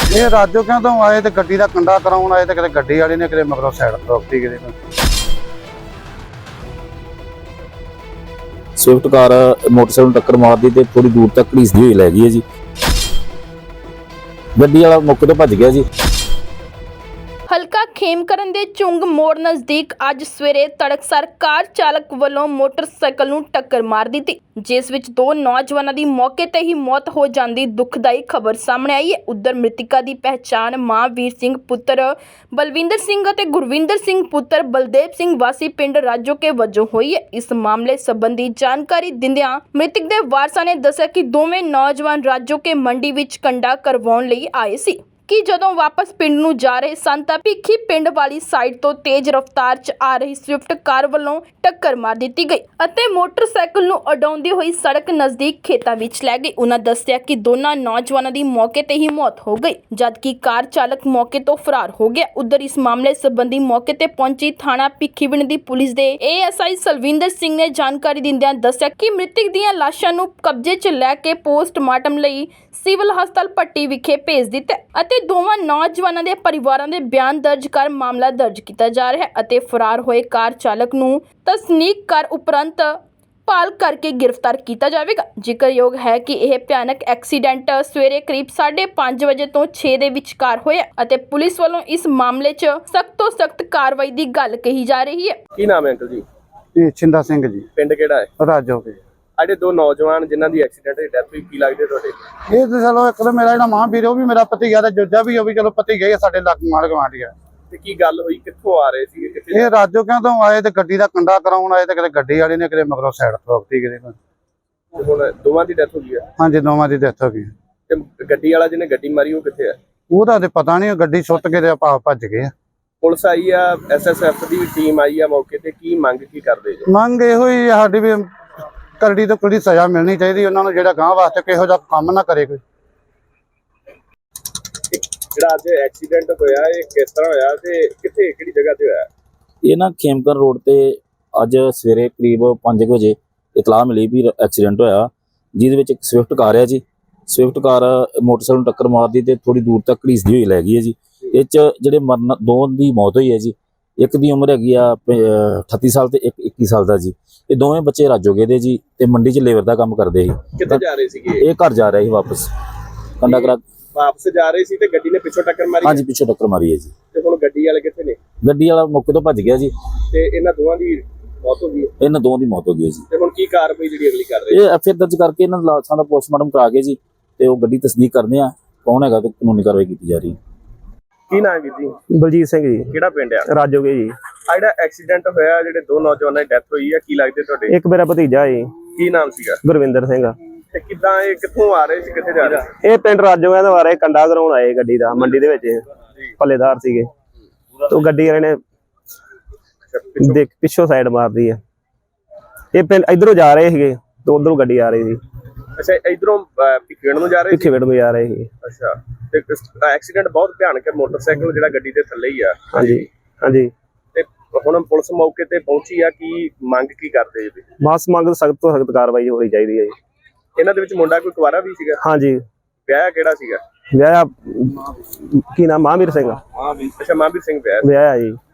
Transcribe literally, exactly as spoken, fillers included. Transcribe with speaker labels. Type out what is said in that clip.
Speaker 1: ਇਹ ਰਾਜੋ ਕਿਉਂ ਤੋਂ ਆਏ ਤੇ ਗੱਡੀ ਦਾ ਕੰਡਾ ਕਰਾਉਣ ਆਏ ਤੇ ਕਿਤੇ ਗੱਡੀ ਵਾਲੇ ਨੇ ਕਿਤੇ ਮਗਰੋਂ ਸਾਈਡ ਰੋਕਤੀ ਕਿਤੇ।
Speaker 2: ਸਵਿਫਟ ਕਾਰ ਮੋਟਰਸਾਈਕਲ ਨੂੰ ਟੱਕਰ ਮਾਰਦੀ ਤੇ ਥੋੜੀ ਦੂਰ ਤੱਕ ਘੜੀਸਦੀ ਹੋਈ ਲੈ ਗਈ ਹੈ ਜੀ। ਗੱਡੀ ਵਾਲਾ ਮੌਕੇ ਤੋਂ ਭੱਜ ਗਿਆ ਜੀ।
Speaker 3: ਹਲਕਾ ਖੇਮਕਰਨ ਦੇ ਚੁੰਗ ਮੋੜ ਨਜ਼ਦੀਕ ਅੱਜ ਸਵੇਰੇ ਤੜਕਸਾਰ ਕਾਰ ਚਾਲਕ ਵੱਲੋਂ ਮੋਟਰਸਾਈਕਲ ਨੂੰ ਟੱਕਰ ਮਾਰ ਦਿੱਤੀ, ਜਿਸ ਵਿੱਚ ਦੋ ਨੌਜਵਾਨਾਂ ਦੀ ਮੌਕੇ ਤੇ ਹੀ ਮੌਤ ਹੋ ਜਾਂਦੀ ਦੁਖਦਾਈ ਖਬਰ ਸਾਹਮਣੇ ਆਈ ਹੈ। ਉਧਰ ਮ੍ਰਿਤਕਾਂ ਦੀ ਪਹਿਚਾਣ ਮਹਾਂਵੀਰ ਸਿੰਘ ਪੁੱਤਰ ਬਲਵਿੰਦਰ ਸਿੰਘ ਅਤੇ ਗੁਰਵਿੰਦਰ ਸਿੰਘ ਪੁੱਤਰ ਬਲਦੇਵ ਸਿੰਘ ਵਾਸੀ ਪਿੰਡ ਰਾਜੋਕੇ ਵਜੋਂ ਹੋਈ ਹੈ। ਇਸ ਮਾਮਲੇ ਸੰਬੰਧੀ ਜਾਣਕਾਰੀ ਦਿੰਦਿਆਂ ਮ੍ਰਿਤਕ ਦੇ ਵਾਰਸਾਂ ਨੇ ਦੱਸਿਆ ਕਿ ਦੋਵੇਂ ਨੌਜਵਾਨ ਰਾਜੋਕੇ ਮੰਡੀ ਵਿੱਚ ਕੰਡਾ ਕਰਵਾਉਣ ਲਈ ਆਏ ਸੀ ਕਿ ਜਦੋਂ ਵਾਪਸ ਪਿੰਡ ਨੂੰ ਜਾ ਰਹੇ ਸਨ ਤਾਂ ਭਿੱਖੀ ਪਿੰਡ ਵਾਲੀ ਸਾਈਡ ਤੋਂ ਤੇਜ਼ ਰਫ਼ਤਾਰ 'ਚ ਆ ਰਹੀ ਸਵਿਫਟ ਕਾਰ ਵੱਲੋਂ ਟੱਕਰ ਮਾਰ ਦਿੱਤੀ ਗਈ ਅਤੇ ਮੋਟਰਸਾਈਕਲ ਨੂੰ ਉਡਾਉਂਦੀ ਹੋਈ ਸੜਕ ਨਜ਼ਦੀਕ ਖੇਤਾਂ ਵਿੱਚ ਲੈ ਗਈ। ਉਹਨਾਂ ਦੱਸਿਆ ਕਿ ਦੋਨਾਂ ਨੌਜਵਾਨਾਂ ਦੀ ਮੌਕੇ ਤੇ ਹੀ ਮੌਤ ਹੋ ਗਈ, ਜਦਕਿ ਕਾਰ ਚਾਲਕ ਮੌਕੇ ਤੋਂ ਫਰਾਰ ਹੋ ਗਿਆ। ਉਧਰ ਇਸ ਮਾਮਲੇ ਸੰਬੰਧੀ ਮੌਕੇ ਤੇ ਪਹੁੰਚੀ ਥਾਣਾ ਭਿੱਖੀਵਿੰਡ ਦੀ ਪੁਲਿਸ ਦੇ A S I Salwinder Singh ਨੇ ਜਾਣਕਾਰੀ ਦਿੰਦਿਆਂ ਦੱਸਿਆ ਕਿ ਮ੍ਰਿਤਕ ਦੀਆਂ ਲਾਸ਼ਾਂ ਨੂੰ ਕਬਜ਼ੇ 'ਚ ਲੈ ਕੇ ਪੋਸਟਮਾਰਟਮ ਲਈ ਸਿਵਲ ਹਸਪਤਾਲ ਪੱਟੀ ਵਿਖੇ ਭੇਜ ਦਿੱਤਾ ਅਤੇ ਦੋਵਾਂ ਨੌਜਵਾਨਾਂ ਦੇ ਪਰਿਵਾਰਾਂ ਦੇ ਬਿਆਨ ਦਰਜ ਕਰ ਮਾਮਲਾ ਦਰਜ ਕੀਤਾ ਜਾ ਰਿਹਾ ਹੈ ਅਤੇ ਫਰਾਰ ਹੋਏ ਕਾਰ ਚਾਲਕ ਨੂੰ ਤਸਦੀਕ ਕਰ ਉਪਰੰਤ ਭਾਲ ਕਰਕੇ ਗ੍ਰਿਫਤਾਰ ਕੀਤਾ ਜਾਵੇਗਾ। ਜ਼ਿਕਰਯੋਗ ਹੈ ਕਿ ਇਹ ਭਿਆਨਕ ਐਕਸੀਡੈਂਟ ਸਵੇਰੇ ਕਰੀਬ ਸਾਢੇ ਪੰਜ ਵਜੇ ਤੋਂ ਛੇ ਦੇ ਵਿਚਕਾਰ ਹੋਇਆ ਅਤੇ ਪੁਲਿਸ ਵੱਲੋਂ ਇਸ ਮਾਮਲੇ 'ਚ ਸਖਤ ਤੋਂ ਸਖਤ ਕਾਰਵਾਈ ਦੀ ਗੱਲ ਕਹੀ ਜਾ ਰਹੀ ਹੈ।
Speaker 4: ਕੀ ਨਾਮ ਹੈ ਅੰਕਲ ਜੀ?
Speaker 1: ਇਹ ਛਿੰਦਾ ਸਿੰਘ ਜੀ,
Speaker 4: ਪਿੰਡ ਕਿਹੜਾ ਹੈ?
Speaker 1: ਰਾਜੋ ਕੇ।
Speaker 4: ਸਾਡੇ ਦੋ ਨੌਜਵਾਨ ਜਿਨ੍ਹਾਂ ਦੀ ਐਕਸੀਡੈਂਟ ਦੀ ਡੈਥ ਹੋਈ, ਕੀ ਲੱਗਦੇ ਤੁਹਾਡੇ?
Speaker 1: ਇਹ ਤੇ ਚਲੋ ਇੱਕ ਤਾਂ ਮੇਰਾ ਜਿਹੜਾ ਮਹਾਂਵੀਰ ਉਹ ਵੀ ਮੇਰਾ ਭਤੀਜਾ ਤੇ ਜੋਜਾ ਵੀ ਉਹ ਵੀ ਚਲੋ ਭਤੀਜਾ ਹੀ ਸਾਡੇ ਲੱਗ ਮਾਰ ਗਵਾਂਢੀ ਆ।
Speaker 4: ਤੇ ਕੀ ਗੱਲ ਹੋਈ, ਕਿੱਥੋਂ ਆ ਰਹੇ ਸੀ, ਕਿੱਥੇ?
Speaker 1: ਇਹ ਰਾਜੋ ਕਿਉਂ ਤੋਂ ਆਏ ਤੇ ਗੱਡੀ ਦਾ ਕੰਡਾ ਕਰਾਉਣ ਆਏ ਤੇ ਕਿਤੇ ਗੱਡੀ ਵਾਲੇ ਨੇ ਕਿਤੇ ਮਗਰੋਂ ਸਾਈਡ ਰੋਕਤੀ ਕਿਤੇ।
Speaker 4: ਤੇ ਹੁਣ ਦੋਵਾਂ ਦੀ ਡੈਥ ਹੋ ਗਈ ਹੈ?
Speaker 1: ਹਾਂਜੀ, ਦੋਵਾਂ ਦੀ ਡੈਥ ਹੋ ਗਈ।
Speaker 4: ਤੇ ਗੱਡੀ ਵਾਲਾ ਜਿਹਨੇ ਗੱਡੀ ਮਾਰੀ ਉਹ ਕਿੱਥੇ ਹੈ?
Speaker 1: ਉਹਦਾ ਤੇ ਪਤਾ ਨਹੀਂ, ਗੱਡੀ ਸੁੱਟ ਕੇ ਤੇ ਆਪਾਂ ਭੱਜ ਗਏ ਆ।
Speaker 4: ਪੁਲਿਸ ਆਈ ਆ, ਐਸ ਐਸ ਐਫ ਦੀ ਟੀਮ ਆਈ ਆ ਮੌਕੇ ਤੇ, ਕੀ ਮੰਗ ਕੀ ਕਰਦੇ ਜੀ?
Speaker 1: ਮੰਗ ਇਹੋ ਹੀ ਸਾਡੀ ਵੀ ਕਰੜੀ ਤੋਂ ਕੋਈ ਸਜ਼ਾ ਮਿਲਣੀ ਚਾਹੀਦੀ ਉਹਨਾਂ ਨੂੰ, ਜਿਹੜਾ ਗਾਂ ਵਾਸਤੇ ਕਿਹੋ ਜਿਹਾ ਕੰਮ ਨਾ ਕਰੇ ਕੋਈ।
Speaker 4: ਜਿਹੜਾ ਅੱਜ ਐਕਸੀਡੈਂਟ ਹੋਇਆ ਇਹ ਕਿਸ ਤਰ੍ਹਾਂ ਹੋਇਆ ਤੇ ਕਿੱਥੇ, ਕਿਹੜੀ ਜਗ੍ਹਾ ਤੇ ਹੋਇਆ?
Speaker 2: ਇਹ ਨਾ ਖੇਮਕਰਨ ਰੋਡ ਤੇ ਅੱਜ ਸਵੇਰੇ ਕਰੀਬ ਪੰਜ ਵਜੇ ਇਤਲਾਹ ਮਿਲੀ ਵੀ ਐਕਸੀਡੈਂਟ ਹੋਇਆ, ਜਿਹਦੇ ਵਿੱਚ ਇੱਕ ਸਵਿਫਟ ਕਾਰ ਹੈ ਜੀ। ਸਵਿਫਟ ਕਾਰ ਮੋਟਰਸਾਈਕਲ ਨੂੰ ਟੱਕਰ ਮਾਰਦੀ ਤੇ ਥੋੜੀ ਦੂਰ ਤੱਕ ਘੜੀਸਦੀ ਹੋਈ ਲੈ ਗਈ ਹੈ ਜੀ। ਇਹ 'ਚ ਜਿਹੜੇ ਮਰਨ ਦੋ ਦੀ ਮੌਤ ਹੋਈ ਹੈ ਜੀ। ਇੱਕ ਦੀ ਉਮਰ ਹੈਗੀ ਆ ਅਠੱਤੀ ਸਾਲ ਤੇ ਇੱਕ ਇੱਕੀ ਸਾਲ ਦਾ ਜੀ। ਇਹ ਦੋਵੇਂ ਬੱਚੇ ਰਾਜੋਗੇ ਦੇ ਜੀ ਤੇ ਮੰਡੀ 'ਚ ਲੇਬਰ ਦਾ ਕੰਮ ਕਰਦੇ ਸੀ।
Speaker 4: ਕਿੱਥੇ ਜਾ ਰਹੇ ਸੀਗੇ?
Speaker 2: ਇਹ ਘਰ ਜਾ ਰਿਹਾ ਸੀ ਵਾਪਸ, ਕੰਡਾ ਕਰਾ
Speaker 4: ਵਾਪਸ ਜਾ ਰਹੇ ਸੀ ਤੇ ਗੱਡੀ ਨੇ ਪਿੱਛੋਂ ਟੱਕਰ ਮਾਰੀ?
Speaker 2: ਹਾਂਜੀ, ਪਿੱਛੋਂ ਟੱਕਰ ਮਾਰੀ ਹੈ ਜੀ।
Speaker 4: ਤੇ ਹੁਣ ਗੱਡੀ ਵਾਲੇ ਕਿੱਥੇ ਨੇ?
Speaker 2: ਗੱਡੀ ਵਾਲਾ ਮੌਕੇ ਤੋਂ ਭੱਜ ਗਿਆ ਜੀ
Speaker 4: ਤੇ ਇਹਨਾਂ ਦੋਵਾਂ ਦੀ ਮੌਤ ਹੋ ਗਈ?
Speaker 2: ਇਹਨਾਂ ਦੋਵਾਂ ਦੀ ਮੌਤ ਹੋ ਗਈ ਹੈ ਜੀ।
Speaker 4: ਤੇ ਹੁਣ ਕੀ ਕਾਰਵਾਈ ਜਿਹੜੀ ਅਗਲੀ ਕਰ ਰਹੇ?
Speaker 2: ਇਹ ਐਫ ਆਈ ਆਰ ਦਰਜ ਕਰਕੇ ਇਹਨਾਂ ਲਾਸ਼ਾਂ ਦਾ ਪੋਸਟਮਾਰਟਮ ਕਰਾ ਕੇ ਜੀ ਤੇ ਉਹ ਗੱਡੀ ਤਸਦੀਕ ਕਰਦੇ ਆ ਕੌਣ ਹੈਗਾ ਤੇ ਕਾਨੂੰਨੀ ਕਾਰਵਾਈ ਕੀਤੀ ਜਾ ਰਹੀ ਹੈ।
Speaker 4: ਕੀ ਨਾਮ ਹੈ ਜੀ?
Speaker 5: ਬਲਜੀਤ ਸਿੰਘ ਜੀ।
Speaker 4: ਕਿਹੜਾ ਪਿੰਡ ਆ?
Speaker 5: ਰਾਜੋਗੇ ਜੀ।
Speaker 4: ਆ ਜਿਹੜਾ ਐਕਸੀਡੈਂਟ ਹੋਇਆ, ਜਿਹੜੇ ਦੋ ਨੌਜਵਾਨਾਂ ਦੀ ਡੈਥ ਹੋਈ ਆ, ਕੀ ਲੱਗਦੇ ਤੁਹਾਡੇ?
Speaker 5: ਇੱਕ ਮੇਰਾ ਭਤੀਜਾ ਜੀ।
Speaker 4: ਕੀ ਨਾਮ ਸੀਗਾ?
Speaker 5: ਗੁਰਵਿੰਦਰ ਸਿੰਘ।
Speaker 4: ਤੇ ਕਿੱਦਾਂ ਇਹ ਕਿੱਥੋਂ ਆ ਰਹੇ ਸੀ, ਕਿੱਥੇ ਜਾ ਰਹੇ ਸੀ?
Speaker 5: ਇਹ ਪਿੰਡ ਰਾਜੋਗੇ ਦੇ ਬਾਰੇ ਕੰਡਾ ਕਰਾਉਣ ਆਏ ਗੱਡੀ ਦਾ, ਮੰਡੀ ਦੇ ਵਿੱਚ ਪੱਲੇਦਾਰ ਸੀਗੇ। ਤੋਂ ਗੱਡੀ ਵਾਲੇ ਨੇ ਦੇਖ ਪਿੱਛੋਂ ਸਾਈਡ ਮਾਰਦੀ ਹੈ। ਇਹ ਪਿੰਡ ਇਧਰੋਂ ਜਾ ਰਹੇ ਸੀਗੇ ਤੇ ਉਧਰੋਂ ਗੱਡੀ ਆ ਰਹੀ ਸੀ।
Speaker 4: ਅੱਛਾ, ਇਧਰੋਂ ਭਿੱਖੀਵਿੰਡ ਨੂੰ ਜਾ ਰਹੇ ਸੀ?
Speaker 5: ਭਿੱਖੀਵਿੰਡ ਨੂੰ ਜਾ ਰਹੇ ਸੀ।
Speaker 4: ਅੱਛਾ, ਤੇ ਐਕਸੀਡੈਂਟ ਬਹੁਤ ਭਿਆਨਕ ਹੈ, ਮੋਟਰਸਾਈਕਲ ਜਿਹੜਾ ਗੱਡੀ ਦੇ ਥੱਲੇ ਹੀ ਆ।
Speaker 5: ਹਾਂਜੀ ਹਾਂਜੀ।
Speaker 4: ਤੇ ਹੁਣ ਪੁਲਿਸ ਮੌਕੇ ਤੇ ਪਹੁੰਚੀ ਆ, ਕੀ ਮੰਗ ਕੀ ਕਰਦੇ ਜੀ?
Speaker 5: ਮਾਸ ਮੰਗ ਸਖਤ ਤੋਂ ਸਖਤ ਕਾਰਵਾਈ ਹੋਣੀ ਚਾਹੀਦੀ ਹੈ ਜੀ।
Speaker 4: ਇਹਨਾਂ ਦੇ ਵਿੱਚ ਮੁੰਡਾ ਕੋਈ ਕੁਵਾਰਾ ਵੀ ਸੀਗਾ?
Speaker 5: ਹਾਂਜੀ।
Speaker 4: ਵਿਆਹ ਕਿਹੜਾ ਸੀਗਾ?
Speaker 5: ਵਿਆਹ ਕੀ ਨਾਮ? ਮਹਾਂਵੀਰ ਸਿੰਘ।
Speaker 4: ਅੱਛਾ, ਮਹਾਂਵੀਰ ਸਿੰਘ ਵਿਆਹ।
Speaker 5: ਵਿਆਹ ਜੀ।